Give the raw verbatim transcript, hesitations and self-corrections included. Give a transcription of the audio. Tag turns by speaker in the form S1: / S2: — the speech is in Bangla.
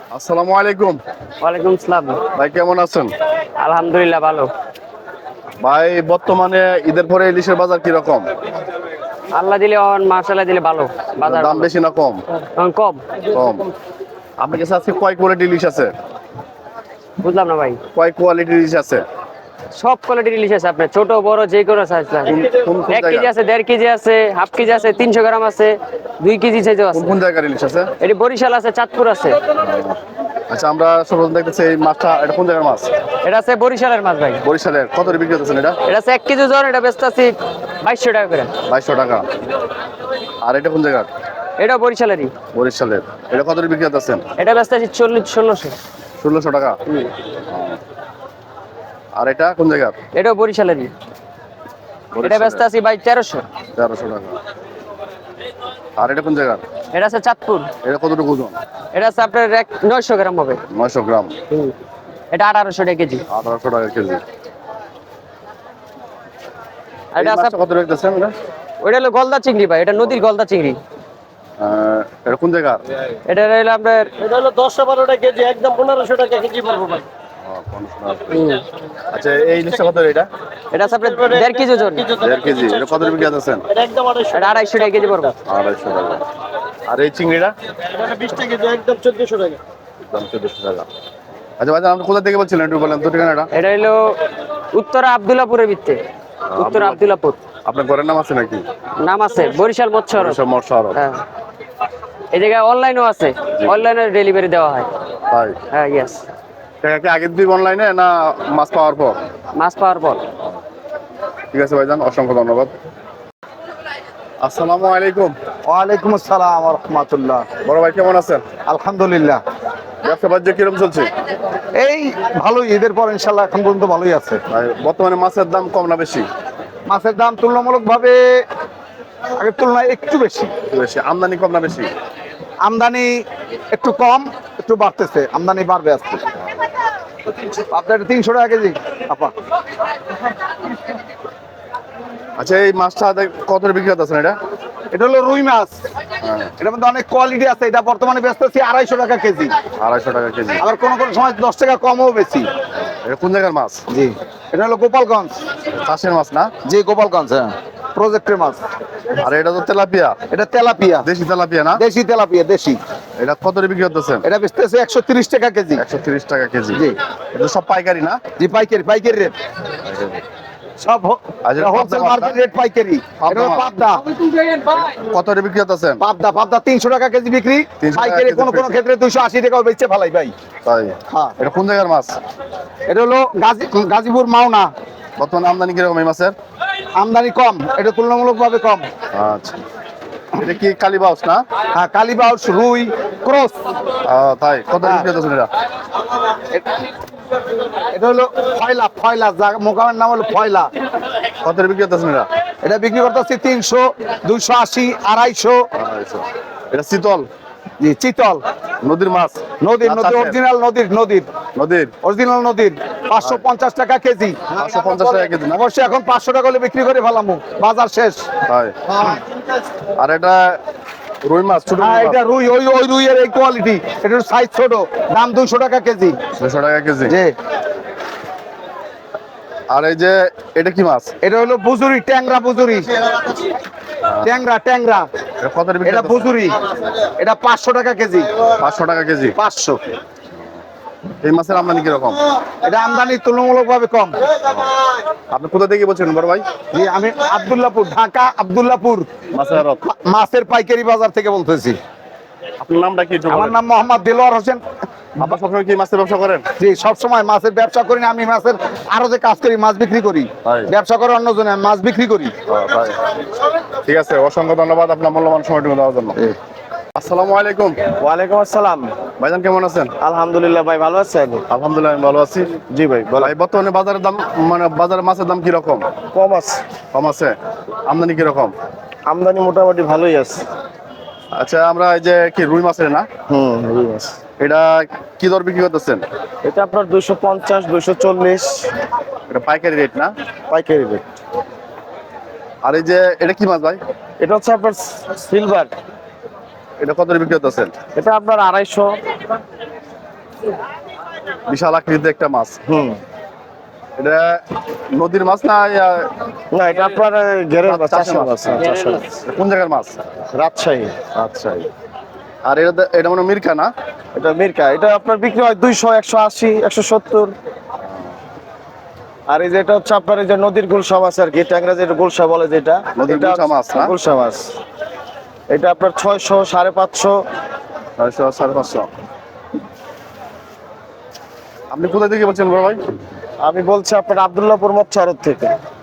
S1: আসসালামু আলাইকুম।
S2: ওয়ালাইকুম আসসালাম।
S1: ভাই কেমন আছেন?
S2: আলহামদুলিল্লাহ ভালো।
S1: ভাই বর্তমানে ঈদের পরে ইলিশের বাজার কি রকম?
S2: আল্লাহ দিলে অন মাশাআল্লাহ দিলে ভালো, বাজার
S1: দাম
S2: ভালো।
S1: বেশি না কম?
S2: এখন কম।
S1: কম। আপনার কাছে আজকে কয় কোয়ালিটি ইলিশ আছে?
S2: বুঝলাম না ভাই।
S1: কয় কোয়ালিটির ইলিশ আছে?
S2: সব কোয়ালিটির ইলিশ আছে আপনার, ছোট বড় যে কোনো সাইজ আছে।
S1: কোন কোন
S2: এক কেজি
S1: জায়গা?
S2: আছে, দেড় কেজি আছে, হাফ কেজি আছে, তিনশো গ্রাম আছে, দুই কেজি সাইজও
S1: কোন
S2: আছে।
S1: কোন জায়গার ইলিশ আছে?
S2: এটি বরিশাল আছে, চাঁদপুর আছে।
S1: আচ্ছা, আমরা সর্বপ্রথম দেখতেছি এই মাছটা, এটা কোন জায়গার মাছ?
S2: এটা আছে বরিশালের মাছ ভাই।
S1: বরিশালের। কত করে বিক্রি করতেছেন এটা?
S2: এটা আছে এক কেজি ওজন, এটা বেচতে আছি বাইশশো টাকা করে।
S1: বাইশশো টাকা। আর এটা কোন জায়গার?
S2: এটা বরিশালেরই।
S1: বরিশালের। এটা কত করে বিক্রি করতেছেন?
S2: এটা বেচতে আছি চল্লিশ ষোলোশো।
S1: ষোলোশো টাকা। আর এটা কোন জায়গার?
S2: এটাও বরিশালেরই। এটা বেচতে আছি ভাই তেরোশো।
S1: তেরোশো টাকা। আর এটা কোন জায়গার?
S2: এটা আছে চাঁদপুর।
S1: এটা কতটুকু ওজন?
S2: এটা আছে আপনার এক নয়শো গ্রাম হবে।
S1: নয়শো গ্রাম।
S2: এটা আঠারোশো টাকা কেজি।
S1: আঠারোশো টাকা কেজি।
S2: আর এটা
S1: এই
S2: আছে
S1: মাছটা কত রেখেছেন এটা?
S2: ওইটা হলো গলদা চিংড়ি ভাই, এটা নদীর গলদা চিংড়ি।
S1: আহ, এটা কোন জায়গার?
S2: এটা হলো আপনার
S3: এটা হলো দশশো বারোটা কেজি, একদম পনেরোশো টাকা কেজি পড়বো ভাই।
S1: আহ, পনেরোশো টাকা। আচ্ছা, এই ইলিশটা কত এটা?
S2: এটা আছে আপনার দেড় কেজি ওজন।
S1: দেড় কেজি। এটা কত বিক্রি করতেছেন?
S3: এটা একদম আড়াইশো।
S2: এটা আড়াইশো টাকা কেজি পড়বো।
S1: আড়াইশো টাকা। আর এই চিংড়িটা?
S3: এটা হলো বিশ টাকা কেজি, একদম চোদ্দশো টাকা।
S1: দাম চোদ্দশো টাকা। আচ্ছা ভাই, আপনি কোথা থেকে বলছিলেন একটু বলেন তো ঠিকানাটা?
S2: এটা হলো উত্তরা আব্দুল্লাপুরের ভিত্তে। উত্তরা আব্দুল্লাপুর
S1: আপনার ঘরের নাম আছে নাকি?
S2: নাম আছে বরিশাল মৎস্য আড়ত।
S1: সব মৎস্য আড়ত।
S2: হ্যাঁ, এই জায়গায় অনলাইনও আছে, অনলাইনে ডেলিভারি দেওয়া হয়।
S1: তাই?
S2: হ্যাঁ, ইয়েস।
S1: টাকা কি আগের দিন অনলাইনে না মাছ পাওয়ার পর?
S2: মাছ পাওয়ার পর।
S1: ঠিক আছে ভাইজান, অসংখ্য ধন্যবাদ। আসসালামু আলাইকুম।
S4: ওয়ালাইকুম আসসালাম রহমতুল্লাহ।
S1: বড় ভাই কেমন আছেন?
S4: আলহামদুলিল্লাহ।
S1: ব্যবসা বাণিজ্য কিরকম চলছে?
S4: এই ভালোই, ঈদের পর ইনশাল্লাহ এখন পর্যন্ত ভালোই আছে।
S1: ভাই, বর্তমানে মাছের দাম কম না বেশি?
S4: মাছের দাম তুলনামূলকভাবে আগের তুলনায় একটু বেশি।
S1: বেশি। আমদানি কম না বেশি?
S4: আমদানি একটু কম, একটু বাড়তেছে, আমদানি বাড়বে আজকে। আপনার তিনশো টাকা কেজি আপা।
S1: আচ্ছা, এই মাছটা দেখ- কত করে বিক্রি করতেছেন এটা?
S4: এটা হলো রুই মাছ।
S1: হ্যাঁ,
S4: এটার মধ্যে অনেক কোয়ালিটি আছে। এটা বর্তমানে বেচতেছি আড়াইশো টাকা কেজি।
S1: আড়াইশো টাকা কেজি।
S4: আবার কোনো কোনো সময় দশ টাকা কমও বেশি।
S1: এটা কোন জায়গার মাছ?
S4: জি, এটা হলো গোপালগঞ্জ।
S1: চাষের মাছ না?
S4: জি, গোপালগঞ্জ, হ্যাঁ, প্রজেক্টের মাছ।
S1: আর এটা তো তেলাপিয়া,
S4: এটা তেলাপিয়া,
S1: দেশি তেলাপিয়া না?
S4: দেশি তেলাপিয়া, দেশি।
S1: এটা কত করে বিক্রি করতেছেন?
S4: এটা বেচতেছে একশো তিরিশ টাকা কেজি।
S1: একশো তিরিশ টাকা কেজি।
S4: জি।
S1: এটা সব পাইকারি না?
S4: জি, পাইকারি, পাইকারি রেট। সব
S1: আর যেটা
S4: হোলসেল
S1: পাবদা
S4: মার্কেট
S1: মাছ
S4: রেট পাইকারি।
S1: পাবদা
S4: এটা হলো
S1: মাছ।
S4: পাবদা।
S1: কত করে বিক্রি করতেছেন?
S4: পাবদা, পাবদা তিনশো টাকা কেজি বিক্রি।
S1: তিনশো টাকা
S4: পাইকারি
S1: কেজি
S4: কোনো কোনো
S1: বিক্রি।
S4: ক্ষেত্রে দুইশো আশি টাকাও বেচছে ফেলাই ভাই।
S1: তাই?
S4: হ্যাঁ।
S1: এটা কোন জায়গার মাছ?
S4: এটা হলো গাজী গাজীপুর মাওনা।
S1: বর্তমানে আমদানি কিরকম এই মাছের?
S4: আমদানি কম, এটা তুলনামূলকভাবে কম।
S1: আচ্ছা, এটা কি কালীবাউস না?
S4: হ্যাঁ, কালীবাউস, রুই, ক্রস।
S1: আহ, তাই? কত করে বিক্রি করতেছেন এটা?
S4: এটা হলো ফয়লা, ফয়লা, যা- মোকামের নাম হলো ফয়লা।
S1: কত করে বিক্রি করতেছেন এটা?
S4: এটা বিক্রি করতেছি তিনশো, দুইশো আশি, আড়াইশো।
S1: আড়াইশো। এটা শীতল
S4: জি, চিতল,
S1: নদীর মাছ?
S4: নদীর,
S1: না
S4: নদীর
S1: চাষের?
S4: অরিজিনাল, নদীর, নদীর
S1: নদীর?
S4: অরিজিনাল নদীর। পাঁচশো পঞ্চাশ টাকা কেজি।
S1: পাঁচশো পঞ্চাশ টাকা কেজি না?
S4: অবশ্যই এখন পাঁচশো টাকা হলে বিক্রি করে ফেলামু, বাজার শেষ।
S1: তাই? আর এটা রুই মাছ, ছোট
S4: হ্যাঁ, এটা রুই, ওই ওই রুইয়ের এই কোয়ালিটি। এটার সাইজ ছোট, দাম দুইশো টাকা কেজি।
S1: দুশো টাকা কেজি।
S4: জি।
S1: আর এই যে এটা কি মাছ?
S4: এটা হলো বুজুরি, ট্যাংরা বুজুরি, ট্যাংরা, ট্যাংরা।
S1: এটা কত করে বিক্রি
S4: এটা
S1: করতেছেন?
S4: বুজুরি, এটা পাঁচশো টাকা কেজি।
S1: পাঁচশো টাকা কেজি।
S4: পাঁচশো।
S1: এই মাছের আমদানি কিরকম?
S4: এটা আমদানি তুলনামূলকভাবে কম।
S1: আপনি কোথা থেকে বলছেন বড় ভাই?
S4: জি, আমি আব্দুল্লাহপুর, ঢাকা আব্দুল্লাহপুর
S1: মাছের আড়ত।
S4: মাছের পাইকারি বাজার থেকে বলতেছি।
S1: আপনার নামটা কি একটু
S4: আমার
S1: বলেন?
S4: নাম মোহাম্মদ দিলওয়ার হোসেন।
S1: আপনার সবসময় কি মাছের ব্যবসা করেন?
S4: জি, সবসময় মাছের ব্যবসা করি না, আমি মাছের আরো যে কাজ করি, মাছ বিক্রি করি।
S1: তাই?
S4: ব্যবসা করে অন্যজনে, আমি মাছ বিক্রি করি।
S1: ও, তাই। ঠিক আছে, অসংখ্য ধন্যবাদ আপনার মূল্যবান সময়টুকু দেওয়ার জন্য। আসসালামু আলাইকুম।
S3: ওয়ালাইকুম আসসালাম।
S1: ভাইজান কেমন আছেন?
S3: আলহামদুলিল্লাহ ভাই, ভালো আছেন?
S1: আলহামদুলিল্লাহ, আমি ভালো আছি।
S3: জি ভাই,
S1: ভাই, বর্তমানে বাজারের দাম, মানে বাজারে মাছের দাম কি রকম?
S3: কম আছে,
S1: কম আছে? আমদানি কি রকম?
S3: আমদানি মোটামুটি ভালোই আছে।
S1: আচ্ছা, আমরা এই যে কি রুই মাছের না,
S3: হুম, রুই মাছ
S1: এটা কি দর বিক্রি করতেছেন?
S3: এটা আপনার দুইশো পঞ্চাশ, দুইশো চল্লিশ
S1: এটা পাইকারি রেট না?
S3: পাইকারি রেট।
S1: আর এই যে এটা কি মাছ ভাই?
S3: এটা হচ্ছে আপনার সিলভার।
S1: এটা কত করে বিক্রি করতেছেন?
S3: এটা আপনার আড়াইশো।
S1: বিশাল আকৃতির একটা মাছ।
S5: হুম
S1: এটা নদীর মাছ না ইয়া,
S5: না এটা আপনার ঘেরের মাছ,
S1: চাষের
S5: চাষের
S1: মাছ?
S5: মাছ, হ্যাঁ, চাষের মাছ।
S1: কোন জায়গার মাছ?
S5: রাজশাহী।
S1: আচ্ছা। আর এটা এটা মানে মিরকা না?
S5: এটা মিরকা, এটা আপনার বিক্রি হয় দুইশো, একশো আশি, একশো সত্তর। আর এই যে এটা হচ্ছে আপনার এই যে নদীর গুলশা মাছ আর কি, ট্যাংরা যেটা গুলশা বলে যেটা,
S1: নদীর
S5: এটা
S1: গুলশা মাছ না?
S5: গুলশা মাছ। এটা আপনার ছয়শো, সাড়ে পাঁচশো।
S1: ছয়শো, সাড়ে পাঁচশো। আপনি কোথা থেকে বলছেন বড় ভাই?
S5: আমি বলছি আপনার আব্দুল্লাহপুর মৎস্য আড়ত থেকে।